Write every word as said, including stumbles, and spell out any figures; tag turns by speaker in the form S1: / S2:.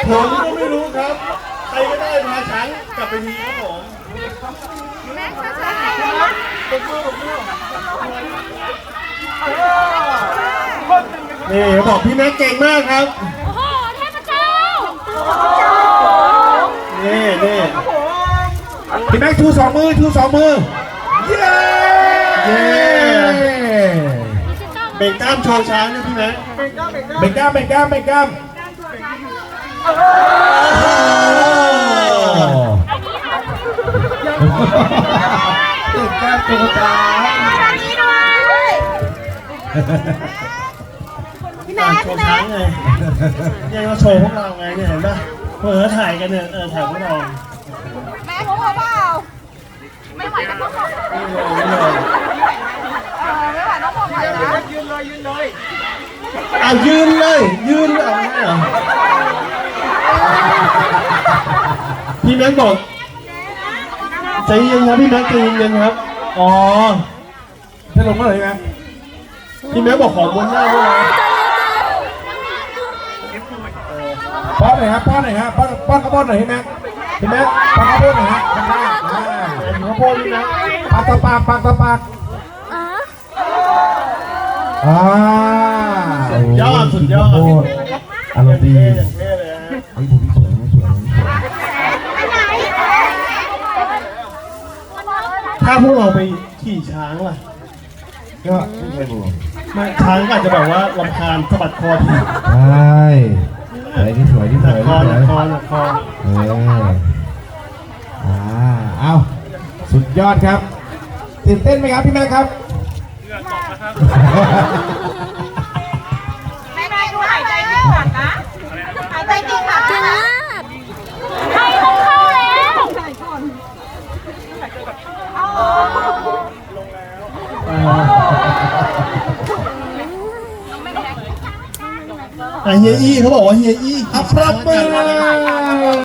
S1: ผมก็ไม่รู้ครับใครก็ได้พาช้างกลับไปทีครับผม
S2: แม็กซ์ช้าๆ
S1: ตบมือตบมือนี่เขาบอกพี่แม็กเก่งมากครับ
S2: โอ้โหเทพเจ้า
S1: นี่นี่
S3: พี่แม็กชูสองมือชูสองมือเย้
S1: เย้เบ่งกล้ามโชว์ช้างนะพี่แม็ก
S3: เบ่งกล้ามเบ่งกล้ามเบ่งกล้ามเบ่งกล้ามโชว์ช้าง
S1: การโชว์ช้างไงยังมาโชว์พวกเราไงเนี่ยเห็นป่ะเผื่อถ่ายกันเนี่ยเออถ่ายพวกเรา
S2: แม่ผมเปล่าไม่ไหวก็ต้องบอก
S1: ไม่เลยไม่เลย
S2: ไม่ไหวต้องบอกเลยนะ
S1: ยืนเลยยืนเลยอ่ะยืนเลยยืนเอาไม่เหรอพี่แม็กบอกใจเย็นครับพี่แม็กใจเย็นครับอ๋อ
S3: จะลงเมื่อไหร่ไหม
S1: พี่แม็กบอกของบนหน้าด้วยนะ
S3: ป้อนหน่อยครับป้อนหน่อยครับป้อนป้อนข้าวโพดหน่อยพี่แม็กพี่แม็กป้อนข้าวโพดหน่อยฮะข้างหน้าอ่า
S1: ข้าวโพดนี่นะ
S3: ปากต่อปากปากต่อปากอ่า
S1: สุดยอดสุดยอด
S3: อารมณ์ดี
S1: อย่างเท่เลยฮะ
S3: ไอ้ผมสวยไม่สวย
S1: ถ้าพวกเราไปขี่ช้างล่ะ
S3: ก็ไม่ใช่ผม
S1: ไม่ช้างอาจจะแบบว่ารำคาญสะบัดคอที
S3: ใช่อะไรที่สวยที่สวย
S1: คอคอคอ
S3: เอออ่าเอาสุดยอดครับตื่นเต้นไหมครับพี่แม่ครับ
S2: แม่แม่ดูหายใจติดขัดนะหายใจติดขัดจริงมากใครต้องเข้าแล้ว
S1: อ่ะเฮียอี้เขาบอกว่าเฮียอี้
S3: อัปรับมือ